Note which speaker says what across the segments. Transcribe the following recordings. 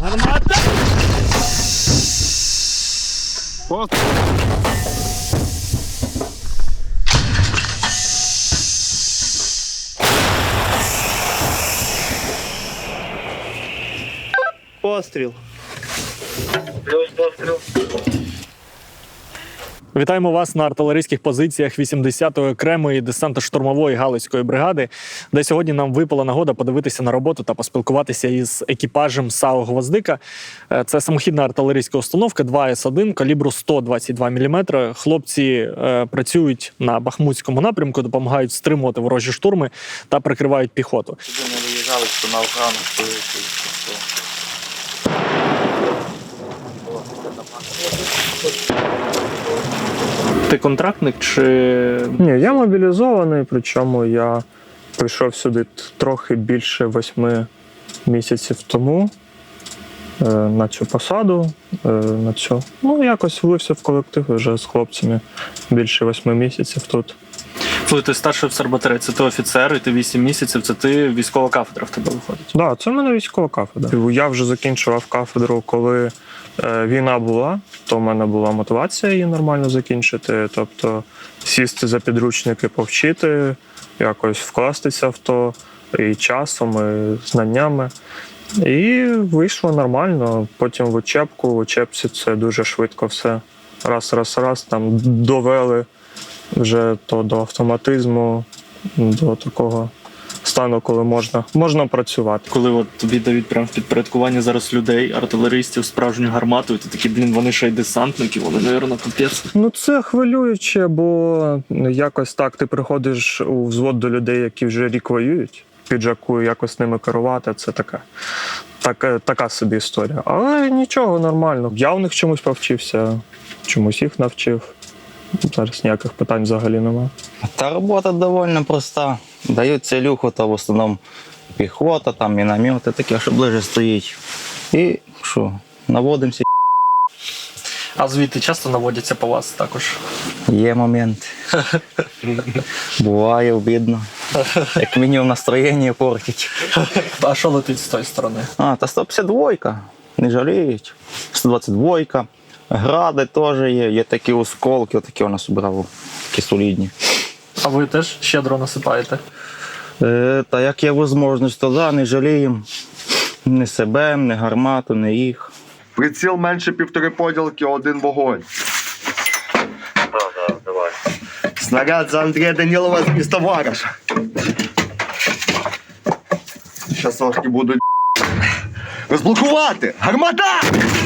Speaker 1: Гармата! Постріл!
Speaker 2: Постріл.
Speaker 3: Плюс постріл.
Speaker 4: Вітаємо вас на артилерійських позиціях 80-ї окремої десантно-штурмової галицької бригади, де сьогодні нам випала нагода подивитися на роботу та поспілкуватися із екіпажем САУ «Гвоздика». Це самохідна артилерійська установка 2С1 калібру 122 мм. Хлопці працюють на Бахмутському напрямку, допомагають стримувати ворожі штурми та прикривають піхоту.
Speaker 3: Сюди не виїжджали, що на Афгану стоїть.
Speaker 4: Ти контрактник чи...
Speaker 2: Ні, я мобілізований, причому я прийшов сюди трохи більше 8 місяців тому на цю посаду. Ну, якось влився в колектив вже з хлопцями більше 8 місяців тут.
Speaker 4: Коли ти старший офіцер батареї, це ти офіцер, і ти 8 місяців, це ти військова кафедра в тебе виходить?
Speaker 2: Так, да, це в мене військова кафедра. Я вже закінчував кафедру, коли війна була, то в мене була мотивація її нормально закінчити. Тобто сісти за підручники, повчити, якось вкластися в то і часом, і знаннями. І вийшло нормально. Потім в учебці це дуже швидко все. Раз, там довели вже то до автоматизму, до такого стану, коли можна працювати.
Speaker 4: Коли от тобі дають прямо в підпорядкування зараз людей, артилеристів, справжню гармату, і ти такий, блін, вони ще й десантники, вони, напевно, капець.
Speaker 2: Ну це хвилююче, бо якось так ти приходиш у взвод до людей, які вже рік воюють, піджаку, якось ними керувати, це така собі історія. Але нічого, нормально. Я у них чомусь повчився, чомусь їх навчив. Зараз ніяких питань взагалі немає.
Speaker 5: Та робота доволі проста. Дають целюху, то в основному піхота, там міномети таке, що ближче стоїть. І що, наводимося.
Speaker 4: А звідти часто наводяться по вас також?
Speaker 5: Є момент. Буває обідно. Як мінімум настроєння портить.
Speaker 4: А що летить з тої сторони?
Speaker 5: Та 152-ка, не жаліють. 122-ка. Гради теж є такі осколки, отакі у нас брали, такі солідні.
Speaker 4: А ви теж щедро насипаєте?
Speaker 5: Та як є можливість, то да, не жаліємо. Ні себе, ні гармату, ні їх.
Speaker 1: Приціл менше 1,5 поділки, 1 вогонь.
Speaker 3: Так, давай.
Speaker 1: Снаряд за Андрія Данілова із товариша. Щас трошки будуть розблокувати! Гармата!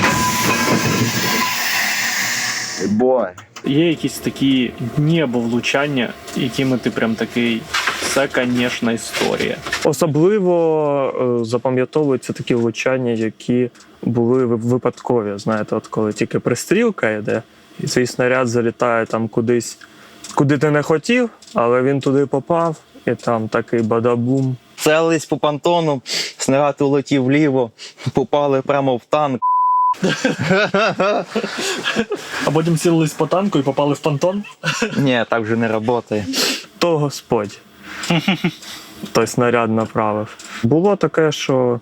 Speaker 1: Бой.
Speaker 4: Є якісь такі дні або влучання, якими ти прям такий, це, звісно, історія.
Speaker 2: Особливо запам'ятовуються такі влучання, які були випадкові. Знаєте, от коли тільки пристрілка йде, і цей снаряд залітає там кудись, куди ти не хотів, але він туди попав, і там такий бадабум.
Speaker 5: Целились по понтону, снаряд улетів вліво, попали прямо в танк.
Speaker 4: А потім цілились по танку і попали в понтон?
Speaker 5: Ні, так вже не працює.
Speaker 2: То Господь той снаряд направив. Було таке, що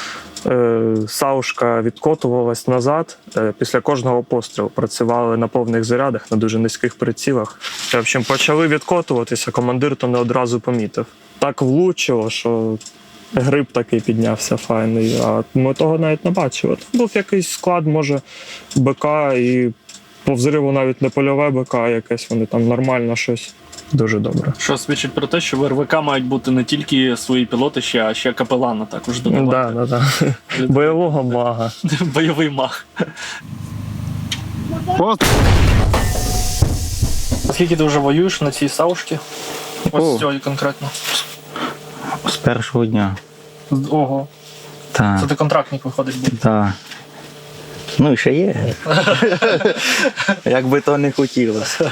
Speaker 2: саушка відкотувалась назад після кожного пострілу. Працювали на повних зарядах, на дуже низьких прицілах. В общем, почали відкотуватися, командир то не одразу помітив. Так влучило, що гриб такий піднявся файний, а ми того навіть не бачили. Був якийсь склад, може, БК, і по взриву навіть не польове БК, а якесь вони там нормально щось. Дуже добре.
Speaker 4: Що свідчить про те, що в РВК мають бути не тільки свої пілоти, а ще капелана також додавати.
Speaker 2: Да. Бойового мага.
Speaker 4: Бойовий маг.
Speaker 1: Постріл.
Speaker 4: Скільки ти вже воюєш на цій саушці? Ось цьої конкретно.
Speaker 5: З першого дня.
Speaker 4: Ого.
Speaker 5: Так.
Speaker 4: Це ти контрактник виходить був.
Speaker 5: Так. Ну і ще є. Як би то не хотілося.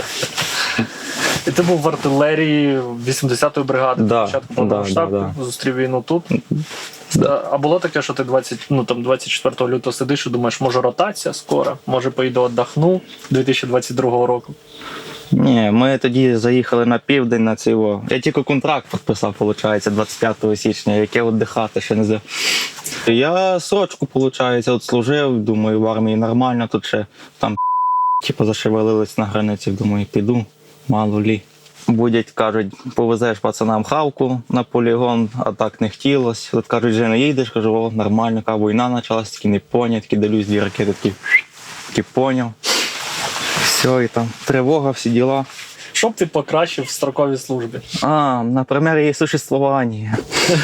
Speaker 4: І ти був в артилерії 80-ї бригади,
Speaker 5: Да,
Speaker 4: початку повномасштабки, зустрів війну тут. А було таке, що ти 24 лютого сидиш і думаєш, може ротація скоро, може поїду віддохну 2022 року?
Speaker 5: Ні, ми тоді заїхали на південь на цього. Я тільки контракт підписав, виходить, 25 січня, яке віддихати ще не знаю. Я срочку, виходить, от служив, думаю, в армії нормально, тут ще там типу, зашевелились на границі, думаю, піду, мало лі. Будять, кажуть, повезеш пацанам хавку на полігон, а так не хотілося. Тут кажуть, вже не їдеш, кажу, о, нормально, яка війна почалась, такі не поняв, такі дивлюсь, 2 ракети, такі поняв. Все, і там тривога, всі діла.
Speaker 4: Що б ти покращив в строковій службі?
Speaker 5: Наприклад, її существування.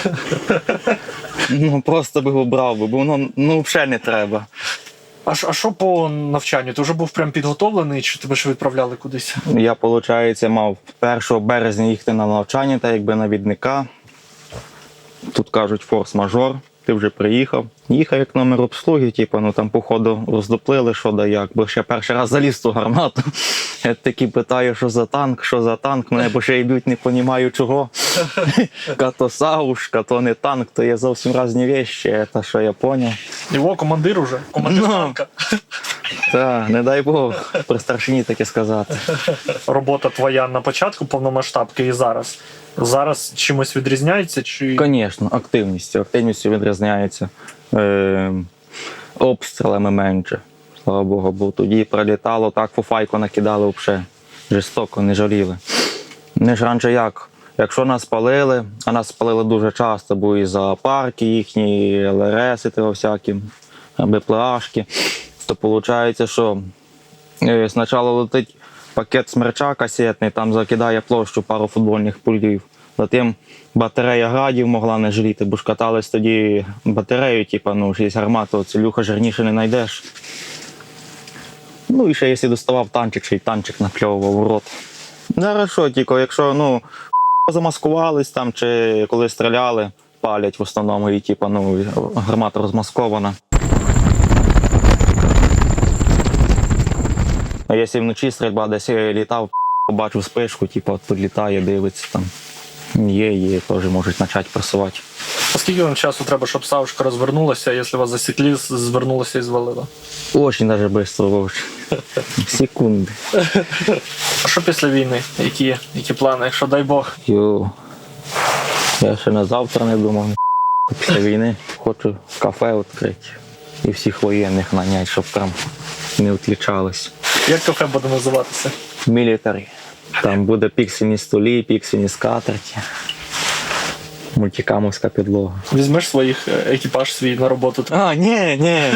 Speaker 5: Просто би обрав, бо воно взагалі не треба.
Speaker 4: А що по навчанню? Ти вже був прям підготовлений, чи тебе ж відправляли кудись?
Speaker 5: Я, виходить, мав 1 березня їхати на навчання, так якби навідника. Тут кажуть форс-мажор, ти вже приїхав. Їхав як номер обслуги, там походу роздоплили, що да як, бо ще перший раз заліз в ту гармату. Я такі питаю, що за танк, мене бо ще йдуть, не розумію чого. То саушка, то не танк, то є зовсім різні речі, це що я зрозумів.
Speaker 4: Його командир уже, командир танка.
Speaker 5: Так, не дай Бог, при старшині таке сказати.
Speaker 4: Робота твоя на початку повномасштабки і зараз. Зараз чимось відрізняється? Чи...
Speaker 5: Звісно, активністю відрізняється. Обстрілами менше, слава Богу, бо тоді прилітало, так фуфайку накидали взагалі. Жорстоко, не жаліли. Не ж раніше як, якщо нас палили, а нас палили дуже часто, бо і зоопарки їхні, ЛРСи всякі, БПЛАшки, то виходить, що спочатку летить пакет смерча касетний, там закидає площу пару футбольних полів. Затим батарея градів могла не жаліти, бо ж катались тоді батарею, є гармату, цілюха жирніше не знайдеш. І ще якщо доставав танчик, ще й танчик напльовував в рот. Зараз що, тільки якщо замаскувались там, чи коли стріляли, палять в основному, і гармата розмаскована. А якщо вночі стрільба десь літав, побачив спишку, от підлітає, дивиться там. Є, теж можуть почати просувати.
Speaker 4: А скільки вам часу треба, щоб саушка розвернулася, якщо вас засікли, звернулася і звалила?
Speaker 5: Очень даже швидко, Вовч. Секунди.
Speaker 4: А що після війни? Які плани, якщо дай Бог?
Speaker 5: Я ще на завтра не думав. Після війни хочу кафе відкрити і всіх воєнних наняти, щоб там не відлічались.
Speaker 4: Як кафе буде називатися?
Speaker 5: Мілітарі. Там буде піксельні столі, піксельні скатерті, мультикамовська підлога.
Speaker 4: Візьмеш своїх екіпаж свій на роботу?
Speaker 5: Ні.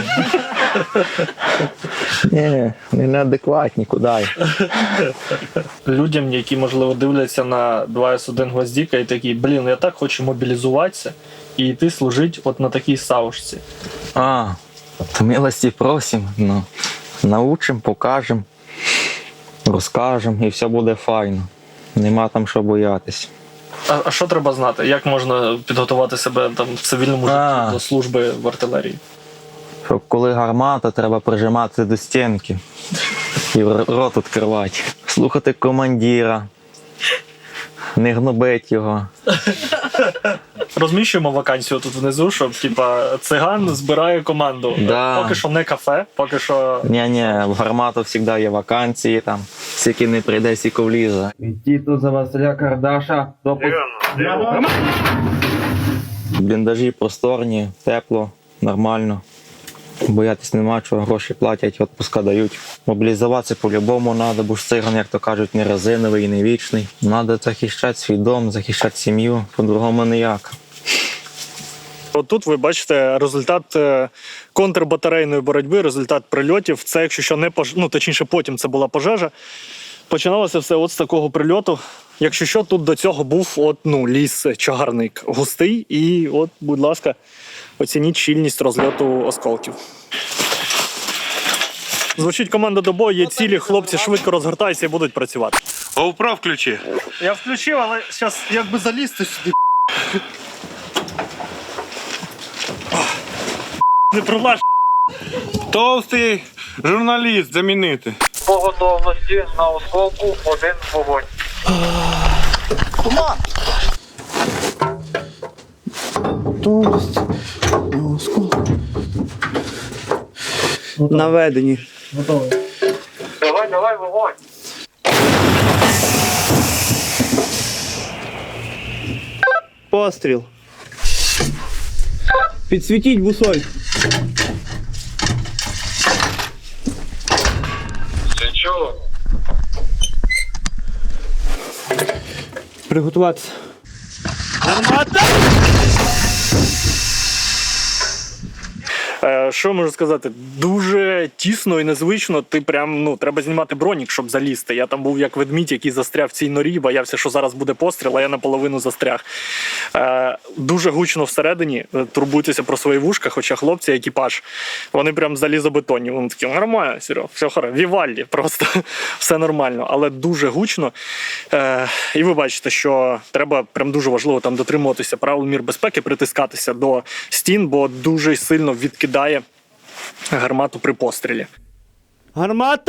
Speaker 5: Ні, вони неадекватні, куди.
Speaker 4: Людям, які, можливо, дивляться на 2С1 Гвоздіка і такі, я так хочу мобілізуватися і йти служити от на такій саушці.
Speaker 5: То милості просимо, научимо, покажемо, розкажемо і все буде файно. Нема там що боятись.
Speaker 4: А що треба знати? Як можна підготувати себе там в цивільному житті до служби в артилерії?
Speaker 5: Щоб коли гармата, треба прижиматися до стінки і рот відкривати. Слухати командира, не гнобити його.
Speaker 4: Розміщуємо вакансію тут внизу, щоб циган збирає команду.
Speaker 5: Да.
Speaker 4: Поки що не кафе, поки що...
Speaker 5: Ні, в гармату завжди є вакансії, там, скільки не прийде, скільки влізе. Йти тут за Василя Кардаша. Бліндажі просторні, тепло, нормально. Боятись нема чого, гроші платять, відпуска дають. Мобілізуватися по-любому треба, бо ж циган, як то кажуть, не резиновий і не вічний. Треба захищати свій дом, захищати сім'ю, по-другому ніяк.
Speaker 4: От тут ви бачите результат контрбатарейної боротьби, результат прильотів. Це, якщо що, не точніше, потім це була пожежа. Починалося все от з такого прильоту. Якщо що, тут до цього був ліс, чагарник густий. І от, будь ласка, оцініть щільність розльоту осколків. Звучить команда до бою, є цілі, хлопці швидко розгортаються і будуть працювати.
Speaker 1: GoPro включи.
Speaker 4: Я включив, але зараз якби залізти сюди. Не пролаж.
Speaker 1: Товстий журналіст замінити.
Speaker 3: По готовності на осколку 1 вогонь.
Speaker 6: Готовність на осколку. Наведені.
Speaker 4: Готовий.
Speaker 3: Давай, вогонь.
Speaker 6: Постріл. Підсвітіть бусоль.
Speaker 3: Свічу.
Speaker 6: Приготуватися.
Speaker 4: Що можу сказати? Дуже тісно і незвично. Ти прям, ну, треба знімати бронік, щоб залізти. Я там був як ведмідь, який застряв в цій норі, боявся, що зараз буде постріл, а я наполовину застряг. Дуже гучно всередині, турбуйтеся про свої вушка, хоча хлопці, екіпаж, вони прям залізобетонні. Вони такі, нормально, Серега, все хорошо, Вівальді, просто все нормально, але дуже гучно. І ви бачите, що треба прям дуже важливо там дотримуватися правил мір безпеки, притискатися до стін, бо дуже сильно відкидає гармату при пострілі.
Speaker 6: Гармата!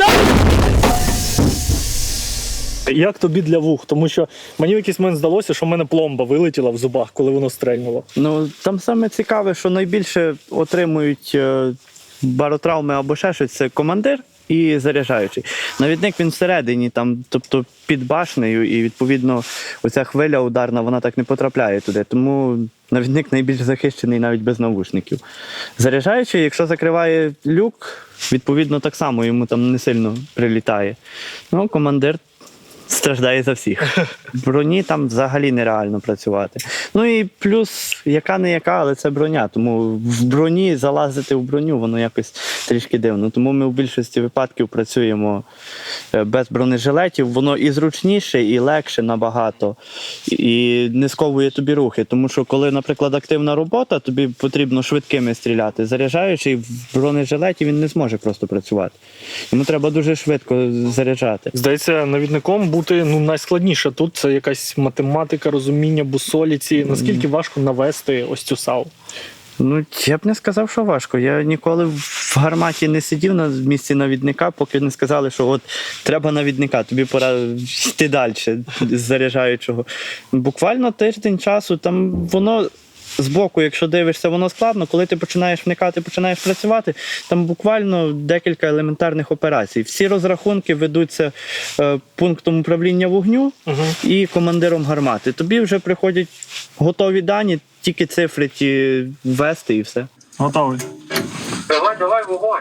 Speaker 4: Як тобі для вух? Тому що мені в якийсь момент здалося, що в мене пломба вилетіла в зубах, коли воно стрельнуло.
Speaker 6: Ну, там саме цікаве, що найбільше отримують баротравми або ще щось, це командир і заряджаючий. Навідник він всередині, там, тобто під башнею, і відповідно оця хвиля ударна, вона так не потрапляє туди. Тому навідник найбільш захищений навіть без навушників. Заряджаючий, якщо закриває люк, відповідно так само йому там не сильно прилітає. Ну, командир страждає за всіх. В броні там взагалі нереально працювати. Ну і плюс, яка не яка, але це броня. Тому в броні залазити в броню, воно якось трішки дивно. Тому ми в більшості випадків працюємо без бронежилетів. Воно і зручніше, і легше набагато. І не сковує тобі рухи. Тому що коли, наприклад, активна робота, тобі потрібно швидкими стріляти. Заряджаючий в бронежилеті він не зможе просто працювати. Йому треба дуже швидко заряджати.
Speaker 4: Здається, навідником бути найскладніше тут. Це якась математика, розуміння бусоліці. Наскільки важко навести ось цю САУ?
Speaker 6: Ну, я б не сказав, що важко. Я ніколи в гарматі не сидів на місці навідника, поки не сказали, що от треба навідника, тобі пора йти далі з заряджаючого. Буквально тиждень часу, там воно збоку, якщо дивишся, воно складно. Коли ти починаєш вникати, починаєш працювати, там буквально декілька елементарних операцій. Всі розрахунки ведуться пунктом управління вогню і командиром гармати. Тобі вже приходять готові дані, тільки цифри ті ввести і все.
Speaker 4: Готовий.
Speaker 3: Давай, вогонь.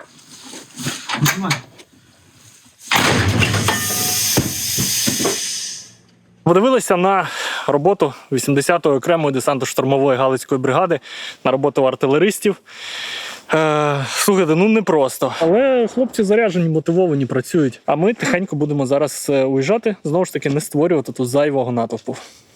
Speaker 4: Подивилися на роботу 80-ї окремої десантно-штурмової Галицької бригади, на роботу артилеристів. Слухайте, ну непросто. Але хлопці заряджені, мотивовані, працюють. А ми тихенько будемо зараз уїжджати, знову ж таки не створювати тут зайвого натовпу.